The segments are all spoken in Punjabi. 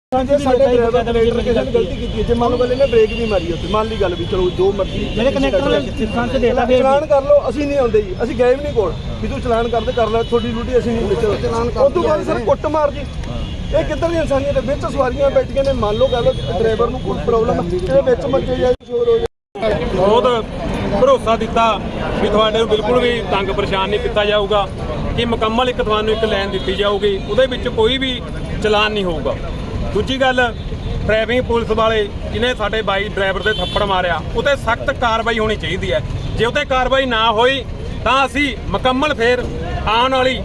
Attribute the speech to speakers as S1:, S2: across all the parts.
S1: ਸਾਡੇ ਡਰਾਈਵਰ ਕਨੈਕਟਰ ਕਿਸੇ ਨੇ ਗਲਤੀ ਕੀਤੀ ਜੇ ਮੰਨ ਲਓ ਪਹਿਲੇ ਨੇ ਬ੍ਰੇਕ ਵੀ ਮਾਰੀ ਉੱਥੇ ਮੰਨ ਲਈ ਗੱਲ ਵੀ ਚਲੋ ਜੋ ਮਰਜ਼ੀ
S2: ਮੇਰੇ ਕਨੈਕਟਰ ਲਾਇਸੈਂਸ ਦੇਤਾ ਫਿਰ
S1: ਚਲਾਨ ਕਰ ਲਓ ਅਸੀਂ ਨਹੀਂ ਆਉਂਦੇ ਜੀ ਅਸੀਂ ਗਏ ਵੀ ਨਹੀਂ ਕੋਲ ਵੀ ਤੂੰ ਚਲਾਨ ਕਰਦੇ ਕਰ ਲੈ ਤੁਹਾਡੀ ਡਿਊਟੀ ਅਸੀਂ ਨਹੀਂ ਵਿੱਚ ਚਲਾਨ ਕਰ ਉਸ ਤੋਂ ਬਾਅਦ ਸਰ ਕੁੱਟ ਮਾਰ ਜੀ ਇਹ ਕਿੱਧਰ ਦੀ ਇਨਸਾਨੀਅਤ ਹੈ ਵਿੱਚ ਸਵਾਰੀਆਂ ਬੈਠੀਆਂ ਨੇ ਮੰਨ ਲਓ ਗੱਲ ਡਰਾਈਵਰ ਨੂੰ ਕੋਈ ਪ੍ਰੋਬਲਮ ਇਹਦੇ ਵਿੱਚ ਮੱਚੇ ਜਾਏ ਸ਼ੋਰ ਹੋ ਜਾਏ
S3: ਬਹੁਤ ਭਰੋਸਾ ਦਿੱਤਾ ਵੀ ਤੁਹਾਡੇ ਨੂੰ ਬਿਲਕੁਲ ਵੀ ਤੰਗ ਪਰੇਸ਼ਾਨ ਨਹੀਂ ਕੀਤਾ ਜਾਊਗਾ ਕਿ ਮੁਕੰਮਲ ਤੁਹਾਨੂੰ ਇੱਕ ਲਾਈਨ ਦਿੱਤੀ ਜਾਊਗੀ ਉਹਦੇ ਵਿੱਚ ਕੋਈ ਵੀ ਚਲਾਨ ਨਹੀਂ ਹੋਊਗਾ। ਦੂਜੀ ਗੱਲ ਟ੍ਰੈਫਿਕ ਪੁਲਿਸ ਵਾਲੇ ਜਿਹਨੇ ਸਾਡੇ ਬਾਈ ਡਰਾਈਵਰ ਦੇ ਥੱਪੜ ਮਾਰਿਆ ਉਤੇ ਸਖਤ ਕਾਰਵਾਈ ਹੋਣੀ ਚਾਹੀਦੀ ਹੈ। ਜੇ ਉਤੇ ਕਾਰਵਾਈ ਨਾ ਹੋਈ ਤਾਂ ਅਸੀਂ ਮੁਕੰਮਲ ਫੇਰ ਆਉਣ ਵਾਲੀ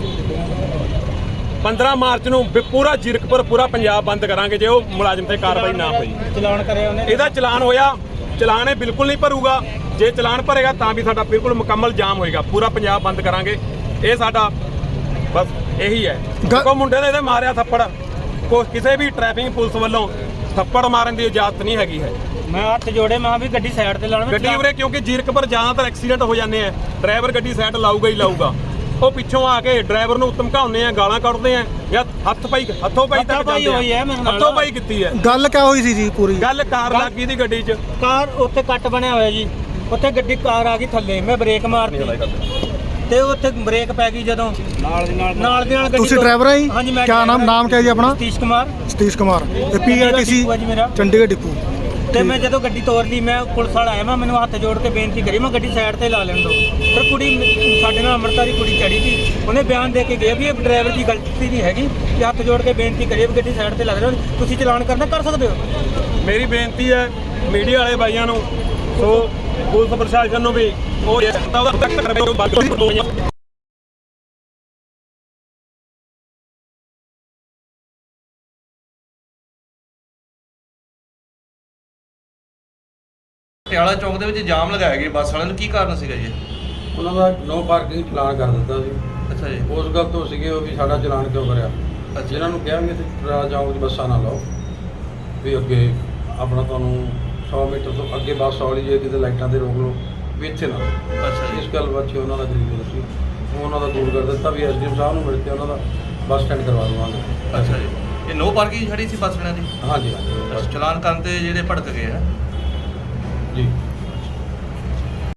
S3: 15 ਮਾਰਚ ਨੂੰ ਪੂਰਾ ਜ਼ੀਰਕਪੁਰ ਪੂਰਾ ਪੰਜਾਬ ਬੰਦ ਕਰਾਂਗੇ ਜੇ ਉਹ ਮੁਲਾਜ਼ਮ ਤੇ ਕਾਰਵਾਈ ਨਾ ਹੋਈ।
S2: ਚਲਾਨ ਕਰਿਆ ਉਹਨੇ
S3: ਇਹਦਾ ਚਲਾਨ ਹੋਇਆ ਚਲਾਨ ਇਹ ਬਿਲਕੁਲ ਨਹੀਂ ਭਰੂਗਾ ਜੇ ਚਲਾਨ ਭਰੇਗਾ ਤਾਂ ਵੀ ਸਾਡਾ ਬਿਲਕੁਲ ਮੁਕੰਮਲ ਜਾਮ ਹੋਏਗਾ ਪੂਰਾ ਪੰਜਾਬ ਬੰਦ ਕਰਾਂਗੇ। ਇਹ ਸਾਡਾ ਬਸ ਇਹੀ ਹੈ। ਕੋ ਮੁੰਡੇ ਨੇ ਇਹਦੇ ਮਾਰਿਆ ਥੱਪੜ ਕਿਸੇ ਵੀ ਟ੍ਰੈਫਿਕ ਪੁਲਿਸ ਵੱਲੋਂ ਥੱਪੜ ਮਾਰਨ ਦੀ ਇਜਾਜ਼ਤ ਨਹੀਂ ਹੈਗੀ ਹੈ।
S2: ਮੈਂ ਹੱਥ ਜੋੜੇ ਮੈਂ ਵੀ ਗੱਡੀ ਸਾਈਡ ਤੇ ਲਾਉਣਾ
S3: ਗੱਡੀ ਉਰੇ ਕਿਉਂਕਿ ਜ਼ੀਰਕਪੁਰ ਜ਼ਿਆਦਾਤਰ ਐਕਸੀਡੈਂਟ ਹੋ ਜਾਂਦੇ ਆ ਡਰਾਈਵਰ ਗੱਡੀ ਸਾਈਡ ਲਾਊਗਾ ਹੀ ਲਾਊਗਾ ਉਹ ਪਿੱਛੋਂ ਆ ਕੇ ਡਰਾਈਵਰ ਨੂੰ ਧਮਕਾਉਂਦੇ ਆ ਗਾਲਾਂ ਕੱਢਦੇ ਆ ਜਾਂ ਹੱਥੋਂ ਪਾਈ ਤੱਕ ਜਾਂਦੇ ਆ ਹੱਥੋਂ ਪਾਈ ਕੀਤੀ ਹੈ।
S4: ਗੱਲ ਕਿਆ ਹੋਈ ਸੀ ਜੀ ਪੂਰੀ
S3: ਗੱਲ ਕਾਰ ਲੱਗ ਗਈ ਦੀ ਗੱਡੀ 'ਚ
S2: ਕਾਰ ਉੱਥੇ ਕੱਟ ਬਣਿਆ ਹੋਇਆ ਜੀ ਉੱਥੇ ਗੱਡੀ ਕਾਰ ਆ ਗਈ ਥੱਲੇ ਮੈਂ ਬ੍ਰੇਕ ਮਾਰਤੀ ਤੇ ਉੱਥੇ ਬ੍ਰੇਕ ਪੈ ਗਈ ਜਦੋਂ ਨਾਲ ਦੀ ਨਾਲ ਗੱਡੀ
S4: ਤੁਸੀਂ ਡਰਾਈਵਰ ਹੈ ਜੀ?
S2: ਹਾਂਜੀ ਮੈਂ
S4: ਕਿਆ ਨਾਮ ਕਿਆ ਜੀ ਆਪਣਾ?
S2: ਸਤੀਸ਼ ਕੁਮਾਰ
S4: ਤੇ ਪੀਆਰਟੀਸੀ ਚੰਡੀਗੜ੍ਹ ਡਿਪੂ
S2: ਤੇ ਮੈਂ ਜਦੋਂ ਗੱਡੀ ਤੋਰ ਲਈ ਮੈਂ ਪੁਲਿਸ ਵਾਲਾ ਆਇਆ ਮੈਨੂੰ ਹੱਥ ਜੋੜ ਕੇ ਬੇਨਤੀ ਕਰੀ ਮੈਂ ਗੱਡੀ ਸਾਈਡ ਤੇ ਲਾ ਲੈਣ ਦੋ ਪਰ ਕੁੜੀ ਸਾਡੇ ਨਾਲ ਅੰਮ੍ਰਿਤਸਰੀ ਕੁੜੀ ਚੜੀ ਸੀ ਉਹਨੇ ਬਿਆਨ ਦੇ ਕੇ ਗਿਆ ਵੀ ਇਹ ਡਰਾਈਵਰ ਦੀ ਗਲਤੀ ਨਹੀਂ ਹੈਗੀ ਕਿ ਹੱਥ ਜੋੜ ਕੇ ਬੇਨਤੀ ਕਰੀ ਵੀ ਗੱਡੀ ਸਾਈਡ ਤੇ ਲਾ ਦੇਣਾ ਤੁਸੀਂ ਚਲਾਨ ਕਰਨਾ ਕਰ ਸਕਦੇ ਹੋ।
S3: ਮੇਰੀ ਬੇਨਤੀ ਹੈ ਮੀਡੀਆ ਵਾਲੇ ਭਾਈਆਂ ਨੂੰ ਸੋ ਪੁਲਿਸ ਪ੍ਰਸ਼ਾਸਨ ਨੂੰ ਵੀ ਉਹ
S5: ਪਟਿਆਲਾ ਚੌਕ ਦੇ ਵਿੱਚ ਜਾਮ ਲਗਾਇਆ ਗਿਆ ਬੱਸ ਵਾਲਿਆਂ ਨੂੰ ਕੀ ਕਾਰਨ ਸੀਗਾ ਜੀ?
S6: ਉਹਨਾਂ ਦਾ ਨੋ ਪਾਰਕਿੰਗ ਚਲਾਨ ਕਰ ਦਿੱਤਾ ਸੀ।
S5: ਅੱਛਾ ਜੀ।
S6: ਉਸ ਗੱਲ ਤੋਂ ਸੀਗੇ ਉਹ ਵੀ ਸਾਡਾ ਚਲਾਨ ਕਿਉਂ ਕਰਿਆ। ਜਿਹਨਾਂ ਨੂੰ ਕਿਹਾ ਵੀ ਇੱਥੇ ਪਟਿਆਲਾ ਚੌਕ 'ਚ ਬੱਸਾਂ ਨਾ ਲਾਓ ਵੀ ਅੱਗੇ ਆਪਣਾ ਤੁਹਾਨੂੰ 100 ਮੀਟਰ ਤੋਂ ਅੱਗੇ ਬੱਸ ਆਉਣੀ ਜੇ ਕਿਤੇ ਲਾਈਟਾਂ ਤੇ ਰੋਕ ਲਓ ਵੀ ਇੱਥੇ ਨਾ।
S5: ਅੱਛਾ ਜੀ।
S6: ਇਸ ਗੱਲ ਬਾਰੇ ਉਹਨਾਂ ਦਾ ਗਰੀਬ ਸੀ ਉਹਨਾਂ ਦਾ ਦੂਰ ਕਰ ਦਿੱਤਾ ਵੀ ਐਸਡੀਐਮ ਸਾਹਿਬ ਨੂੰ ਮਿਲ ਕੇ ਉਹਨਾਂ ਦਾ ਬੱਸ ਸਟੈਂਡ ਕਰਵਾ ਦੇਵਾਂਗੇ।
S5: ਅੱਛਾ ਜੀ। ਇਹ ਨੋ ਪਾਰਕਿੰਗ ਛੜੀ ਸੀ ਬੱਸ ਵਾਲਿਆਂ ਦੀ?
S6: ਹਾਂਜੀ ਹਾਂਜੀ
S5: ਚਲਾਨ ਕਰਨ ਤੇ ਜਿਹੜੇ ਭੜਕ ਗਏ ਆ
S6: ਜੀ।